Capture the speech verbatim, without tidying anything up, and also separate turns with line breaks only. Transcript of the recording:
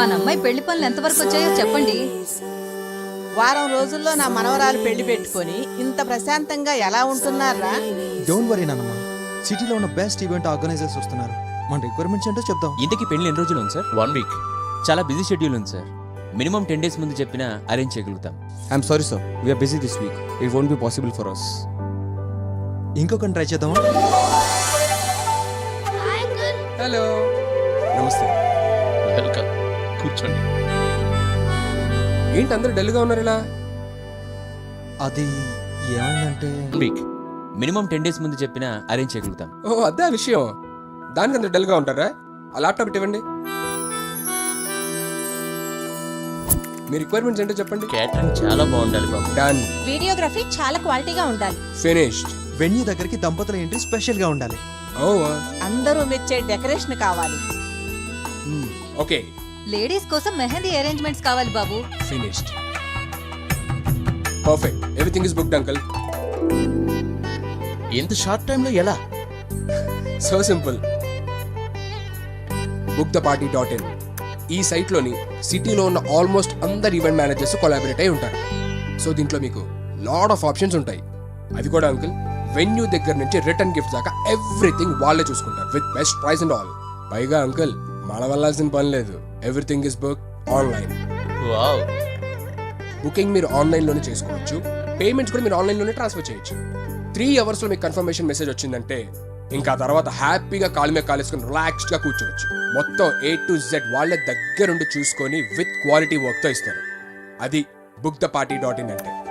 మన అమ్మాయి పెళ్లి పనులు ఎంతవరకు వచ్చాయో చెప్పండి.
వారం రోజుల్లో నా మనవరాలు పెళ్లి పెట్టుకొని ఇంత ప్రశాంతంగా ఎలా ఉంటున్నారా?
డోంట్ వరీ నాన్నమ్మ, సిటీలో ఉన్న బెస్ట్ ఈవెంట్ ఆర్గనైజర్స్ వస్తున్నారు. మన రిక్వైర్మెంట్స్ ఏంటో చెప్దాం.
ఇంతకీ పెళ్లి ఎన్ని రోజులు ఉంది సార్? One week. చాలా బిజీ షెడ్యూల్ ఉంది సార్. మినిమం టెన్ డేస్ ముందు చెప్పినా అరేంజ్ చేయగలుగుతాం.
I'm sorry sir, we're busy this week. It won't be possible for us.
ఇంకొకటి ట్రై చేద్దామా?
హలో, నమస్తే.
వెల్కమ్, కూర్చోండి.
ఏంటి అందరూ డల్గా ఉన్నారు ఇలా?
అది ఏమైందంటే
వీక్ మినిమం టెన్ డేస్ ముందు చెప్పినా అరేంజ్ చేయగలుగుతాం.
ఓ అదే ఆ విషయం. దానికి అందరూ డల్గా ఉంటారా? ఆ ల్యాప్టాప్ ఇవ్వండి. మీ రిక్వైర్మెంట్స్ ఏంటో చెప్పండి.
క్యాటరింగ్ చాలా బాగుండాలి బాబు.
డన్.
వీడియోగ్రఫీ చాలా క్వాలిటీగా ఉండాలి.
ఫినిష్డ్.
వెన్యూ దగ్గరికి దంపతుల ఎంట్రీ స్పెషల్ గా ఉండాలి.
ఓ
అందరూ మెచ్చే డెకరేషన్ కావాలి.
ఓకే,
లేడీస్ కోసం మెహందీ అరేంజ్మెంట్స్ కావాలి బాబు.
Finished. Perfect. Everything is booked uncle.
ఇంత షార్ట్ టైంలో ఎలా?
So simple. Book the party dot in. ఈ సైట్లోని సిటీలో ఉన్న ఆల్మోస్ట్ అందరు ఈవెంట్ మేనేజర్స్ కొలాబరేట్ అయి ఉంటారు. సో దీంట్లో మీకు లాట్ ఆఫ్ ఆప్షన్స్ ఉంటాయి. అది కూడా అంకుల్, వెన్యూ దగ్గర నుంచి రిటర్న్ గిఫ్ట్ దాకా ఎవ్రీథింగ్ వాళ్ళే చూసుకుంటారు with best price and all. పైగా అంకుల్ మన వెళ్ళాల్సిన పని లేదు. Everything is book online.
Wow.
Booking మీరు ఆన్లైన్లోనే చేసుకోవచ్చు. పేమెంట్స్ కూడా మీరు ఆన్లైన్లోనే ట్రాన్స్ఫర్ చేయొచ్చు. త్రీ అవర్స్లో మీకు కన్ఫర్మేషన్ మెసేజ్ వచ్చిందంటే ఇంకా తర్వాత హ్యాపీగా కాలు మీద కాలేసుకొని రిలాక్స్డ్గా కూర్చోవచ్చు. మొత్తం ఏ టు జెడ్ వాళ్ళే దగ్గరుండి చూసుకొని విత్ క్వాలిటీ వర్క్తో ఇస్తారు. అది book the party dot in అంటే.